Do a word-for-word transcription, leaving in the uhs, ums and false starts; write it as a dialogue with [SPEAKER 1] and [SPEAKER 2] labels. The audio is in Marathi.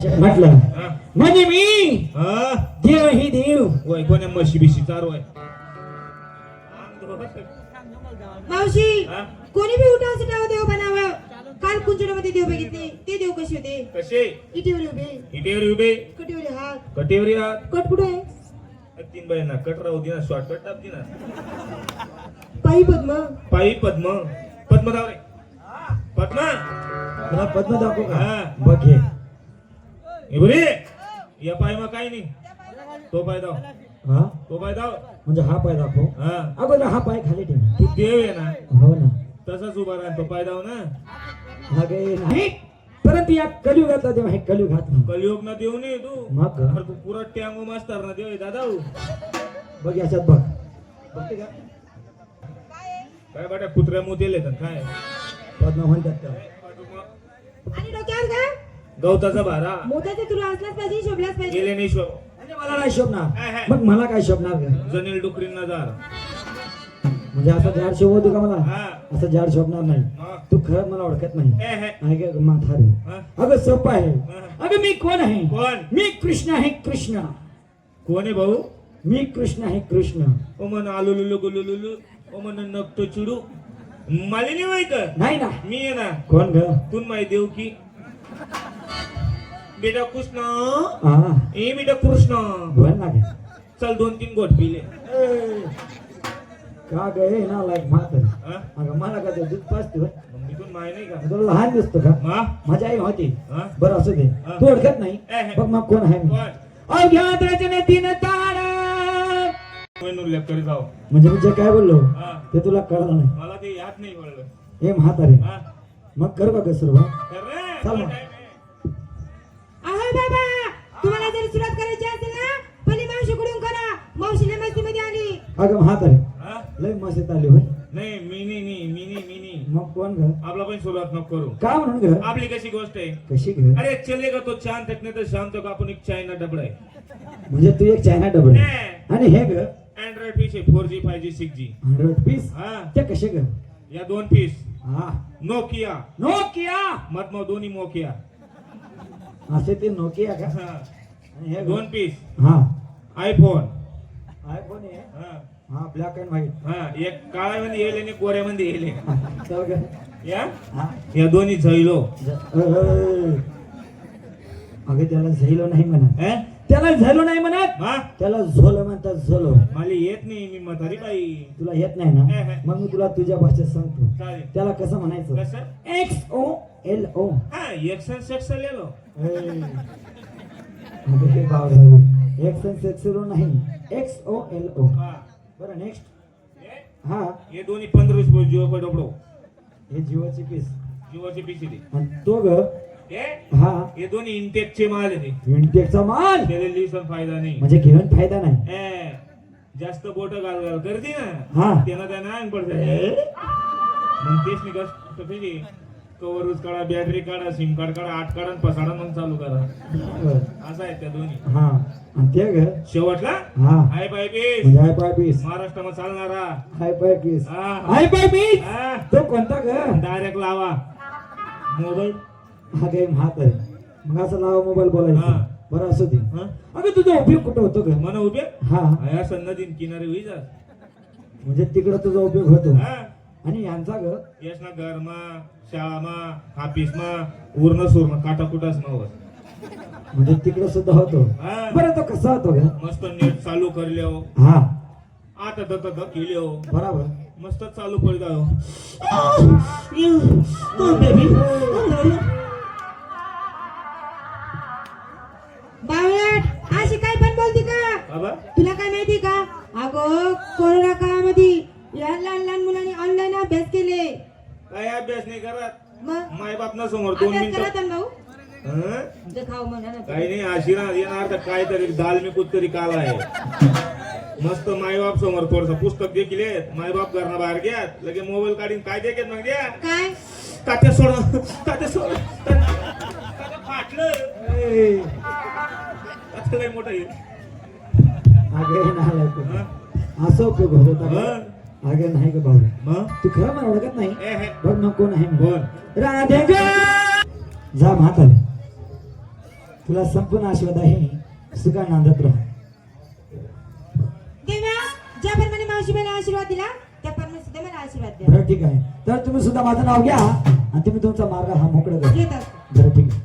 [SPEAKER 1] म्हटलं म्हणजे मी
[SPEAKER 2] हा
[SPEAKER 1] देव ही देव
[SPEAKER 2] वय कोण्या म्हशी बिशी चारू आहे
[SPEAKER 3] मावशी
[SPEAKER 2] हा?
[SPEAKER 3] कोणी बी उठाव सिटाव देव बनावं. काल कुंचड्यामध्ये देव बघितले ते देव कसे होते?
[SPEAKER 2] कसे
[SPEAKER 3] इटीवर उभे,
[SPEAKER 2] इटेवर उभे
[SPEAKER 3] कटीवर हात,
[SPEAKER 2] कटेवरी हात
[SPEAKER 3] कट कुठे आहे?
[SPEAKER 2] तीन बायांना कट राहू दे ना शॉर्टकट टाप दे ना
[SPEAKER 3] पायी पद्म,
[SPEAKER 2] पायी पद्म पद्म धाव रे पद्म
[SPEAKER 1] तुला पद्म दाखवू का?
[SPEAKER 2] हा.
[SPEAKER 1] बघ हे
[SPEAKER 2] हे बरे या पाय मग काय नाही तो पाय दाव
[SPEAKER 1] हा
[SPEAKER 2] तो पाय दाव
[SPEAKER 1] म्हणजे हा पाय दाखव.
[SPEAKER 2] हा
[SPEAKER 1] अगोदर हा पाय खाली ठेव.
[SPEAKER 2] तू देव आहे ना
[SPEAKER 1] हो ना.
[SPEAKER 2] तसाच उभा राहा तो पाय दाव ना
[SPEAKER 1] हा गे नाही परंतु या कलियुगातला देव हे कलियुगात नाही.
[SPEAKER 2] कलियोग ना देव नाही तू
[SPEAKER 1] मग
[SPEAKER 2] अरे तू पुरा टँगो मास्तर ना देव आहे दादा
[SPEAKER 1] बघ याच्यात बघ बघते का
[SPEAKER 2] काय बाट्या कुत्र्या मोतेले तर काय
[SPEAKER 1] पद्म म्हणतात त्याला.
[SPEAKER 3] आणि डोक्यावर का
[SPEAKER 2] गवताचा भारा
[SPEAKER 3] मोत्याचे तुला असलाच पाहिजे, शोभलाच पाहिजे.
[SPEAKER 2] गेले नाही शो
[SPEAKER 1] म्हणजे मला नाही शोभणार मग मला काय शोभणार ग?
[SPEAKER 2] जनील डुकरींना जार
[SPEAKER 1] म्हणजे असं झाड शोभवतो का मला?
[SPEAKER 2] हा
[SPEAKER 1] असं झाड शोभणार नाही.
[SPEAKER 2] हा.
[SPEAKER 1] तू खरं मला ओळखत नाही.
[SPEAKER 2] ए, हे.
[SPEAKER 1] आहे का म्हातारे?
[SPEAKER 2] हा.
[SPEAKER 1] अगं सोपं आहे.
[SPEAKER 2] हा.
[SPEAKER 1] अगं मी कोण आहे?
[SPEAKER 2] कोण
[SPEAKER 1] मी कृष्ण आहे कृष्ण.
[SPEAKER 2] कोण आहे भाऊ
[SPEAKER 1] मी कृष्ण आहे कृष्ण.
[SPEAKER 2] ओ मन आलू लुलू गुलू लुलू ओ मन नकतो चिडू मालिनी माहित
[SPEAKER 1] नाही ना.
[SPEAKER 2] मी आहे ना
[SPEAKER 1] कोण ग?
[SPEAKER 2] तू माहिती देऊ की बेटा कृष्ण
[SPEAKER 1] हा
[SPEAKER 2] ए बेटा कृष्ण
[SPEAKER 1] बोल ना ग.
[SPEAKER 2] चल दोन तीन गोट पिले
[SPEAKER 1] ए, का ग हे ना लाईक म्हातारे?
[SPEAKER 2] हा?
[SPEAKER 1] अगं मला का ते दूध पाजते होय?
[SPEAKER 2] मग मी तुला माहिती नाही का
[SPEAKER 1] तुला लहान दिसतो का?
[SPEAKER 2] मा
[SPEAKER 1] माझी आई होती.
[SPEAKER 2] हा?
[SPEAKER 1] बरं असू दे.
[SPEAKER 2] हा.
[SPEAKER 1] तू ओळखत नाही
[SPEAKER 2] ए, हे.
[SPEAKER 1] बघ मग कोण आहे मी?
[SPEAKER 2] कोण
[SPEAKER 1] अज्ञात रचने तीन तारा.
[SPEAKER 2] म्हणून लेप करी जाऊ
[SPEAKER 1] म्हणजे मी जे काय बोललो
[SPEAKER 2] हा
[SPEAKER 1] ते तुला कळलं नाही.
[SPEAKER 2] मला ते याद नाही कळलं
[SPEAKER 1] हे म्हातारे
[SPEAKER 2] हा
[SPEAKER 1] मग कर बघ सुरुवात.
[SPEAKER 2] कर रे
[SPEAKER 1] चल
[SPEAKER 2] मला
[SPEAKER 1] मग.
[SPEAKER 2] time आहे.
[SPEAKER 3] अहो बाबा, तुम्हाला जर सुरुवात करायची असेल ना पहिली मावशीकडून करा. मावशीला मस्ती मध्ये आली.
[SPEAKER 1] अगं म्हातारे
[SPEAKER 2] हा?
[SPEAKER 1] लय मस्तीत आली होय.
[SPEAKER 2] नाही मी नाही मी मी नाही मी नाही
[SPEAKER 1] मग कोण ग?
[SPEAKER 2] आपला पण सुरुवात नको करू
[SPEAKER 1] का म्हणून ग?
[SPEAKER 2] आपली कशी गोष्ट आहे
[SPEAKER 1] कशी ग?
[SPEAKER 2] अरे चलेगा तो चांद तक नाही तर शाम तक आपण एक चायना डबडा आहे
[SPEAKER 1] म्हणजे तू एक चायना डबल आणि हे ग
[SPEAKER 2] अँड्रॉइड पीस आहे four G five G six G
[SPEAKER 1] hundred piece
[SPEAKER 2] हा
[SPEAKER 1] ते कसे ग?
[SPEAKER 2] या दोन पीस
[SPEAKER 1] हा
[SPEAKER 2] नोकिया
[SPEAKER 1] नोकिया.
[SPEAKER 2] मत मग दोन्ही मोकिया
[SPEAKER 1] असे ते नोकिया का?
[SPEAKER 2] हा.
[SPEAKER 1] आणि हे ग?
[SPEAKER 2] दोन पीस
[SPEAKER 1] हा
[SPEAKER 2] आयफोन
[SPEAKER 1] आयफोन आहे.
[SPEAKER 2] हा
[SPEAKER 1] हा ब्लॅक अँड व्हाईट.
[SPEAKER 2] हा एक काळ्यामध्ये येईल आणि गोऱ्यामध्ये येईल
[SPEAKER 1] चल ग.
[SPEAKER 2] या
[SPEAKER 1] हा
[SPEAKER 2] या दोन्ही झैलो
[SPEAKER 1] ज- अ, अ. अगं त्याला झैलो नाही म्हणत.
[SPEAKER 2] हे?
[SPEAKER 1] त्याला झैलो नाही म्हणत.
[SPEAKER 2] हा
[SPEAKER 1] त्याला झोलो म्हणतात झोलो.
[SPEAKER 2] मला येत नाही मी म्हातारी बाई
[SPEAKER 1] तुला येत नाही ना?
[SPEAKER 2] हे, हे.
[SPEAKER 1] मग मी तुला तुझ्या भाषेत सांगतो.
[SPEAKER 2] चालेल
[SPEAKER 1] त्याला कसं म्हणायचं?
[SPEAKER 2] कसं
[SPEAKER 1] एक्स ओ एल ओ.
[SPEAKER 2] हा एक्सन सेक्स लिहिलो
[SPEAKER 1] हे बावळा. एक्स एन सेक्स नाही एक्स ओ एल ओ.
[SPEAKER 2] हा
[SPEAKER 1] बरं नेक्स्ट.
[SPEAKER 2] हे?
[SPEAKER 1] हा
[SPEAKER 2] हे दोन्ही पंधरा रुपये जिओ पे डबडो
[SPEAKER 1] हे जिओची पीस.
[SPEAKER 2] जिओचे पीस आहे
[SPEAKER 1] आणि तो ग
[SPEAKER 2] हे
[SPEAKER 1] हा
[SPEAKER 2] हे दोन्ही इंटेकचे माल आहे ते
[SPEAKER 1] विंटेकचा माल.
[SPEAKER 2] त्याला लिहिसन फायदा नाही
[SPEAKER 1] म्हणजे घेऊन फायदा नाही.
[SPEAKER 2] ए, जास्त बोट घाल घाल करते ना
[SPEAKER 1] हा
[SPEAKER 2] त्यांना त्यांना अंग पडते मग तेच नाही कस कवरच काढा बॅटरी काढा सिम कार्ड काढा आठ काढा आणि पसाडा मग चालू करा
[SPEAKER 1] बरं.
[SPEAKER 2] असं आहे त्या दोन्ही
[SPEAKER 1] हा आणि ते ग
[SPEAKER 2] शेवटला
[SPEAKER 1] हा
[SPEAKER 2] हाय बाय पीस
[SPEAKER 1] म्हणजे हाय पाय पीस.
[SPEAKER 2] महाराष्ट्रामध्ये चालणारा
[SPEAKER 1] हाय पाय पीस.
[SPEAKER 2] हा.
[SPEAKER 1] हाय पाय पीस.
[SPEAKER 2] हा.
[SPEAKER 1] तो कोणता ग?
[SPEAKER 2] डायरेक्ट लावा मोबाईल
[SPEAKER 1] हा गेम हात आहे. मग असं लावा मोबाईल बोलायचं.
[SPEAKER 2] हा.
[SPEAKER 1] बरं असू दे.
[SPEAKER 2] हा?
[SPEAKER 1] अगं तुझा उपयोग कुठं होतो ग?
[SPEAKER 2] मन उभे
[SPEAKER 1] हा
[SPEAKER 2] या सन्नदीन किनारे होई जा
[SPEAKER 1] म्हणजे तिकडं तुझा उपयोग होतो.
[SPEAKER 2] हा
[SPEAKER 1] आणि यांचा ग
[SPEAKER 2] यस ना घरमा शाळामा ऑफिसमा उरण सुरण काटाकुटाच नवस
[SPEAKER 1] म्हणजे तिकडं सुद्धा होतो.
[SPEAKER 2] हा.
[SPEAKER 1] बरं तो कसा होतो ग?
[SPEAKER 2] मस्त नेट चालू करल्यो
[SPEAKER 1] हा
[SPEAKER 2] आता तर तर केल्यो
[SPEAKER 1] बरोबर.
[SPEAKER 2] मस्त चालू कर जायो
[SPEAKER 3] बावळट अशी काय पण बोलती का?
[SPEAKER 2] बाबा
[SPEAKER 3] तुला काय माहिती का? अगं कोरोना काळामध्ये या लहान लहान मुलांनी ऑनलाईन अभ्यास केले.
[SPEAKER 2] काय अभ्यास नाही करत
[SPEAKER 3] मग
[SPEAKER 2] माय बाप ना समोर दोन
[SPEAKER 3] अभ्यास
[SPEAKER 2] मिनिटं
[SPEAKER 3] करा भाऊ.
[SPEAKER 2] हं?
[SPEAKER 3] जे खाऊ म्हणा ना.
[SPEAKER 2] काही नाही आशीर्वाद येणार तर काय तरी दाल मी कुठतरी काला आहे मस्त मायबाप समोर थोडस पुस्तक देखील आहेत मायबाप घरना बाहेर घ्या लगे मोबाईल काढून काय देखील मग द्या
[SPEAKER 3] काय
[SPEAKER 2] तात्या सोड तात्या सोड तात्या फाटलं
[SPEAKER 1] ए,
[SPEAKER 2] तात्या लय मोठं आहे
[SPEAKER 1] अगं नाही तू.
[SPEAKER 2] हं?
[SPEAKER 1] असं उपयोग होत होता का?
[SPEAKER 2] हं?
[SPEAKER 1] अगं नाही ग भाऊ.
[SPEAKER 2] मग
[SPEAKER 1] तू खरं मला ओळखत नाही.
[SPEAKER 2] ए हे
[SPEAKER 1] बघ मग कोण आहे?
[SPEAKER 2] कोण
[SPEAKER 1] राधे ग. जा म्हातारे. तुला संपूर्ण आशीर्वाद आहे. सुखा नांदत राहा.
[SPEAKER 3] देवा ज्याप्रमाणे मावशी मला आशीर्वाद दिला त्याप्रमाणे सुद्धा मला आशीर्वाद द्या.
[SPEAKER 1] बरं ठीक आहे. तर तुम्ही सुद्धा माझं नाव घ्या आणि तुम्ही तुमचा मार्ग हा मोकळा करा.
[SPEAKER 3] घेतात
[SPEAKER 1] बरं ठीक आहे.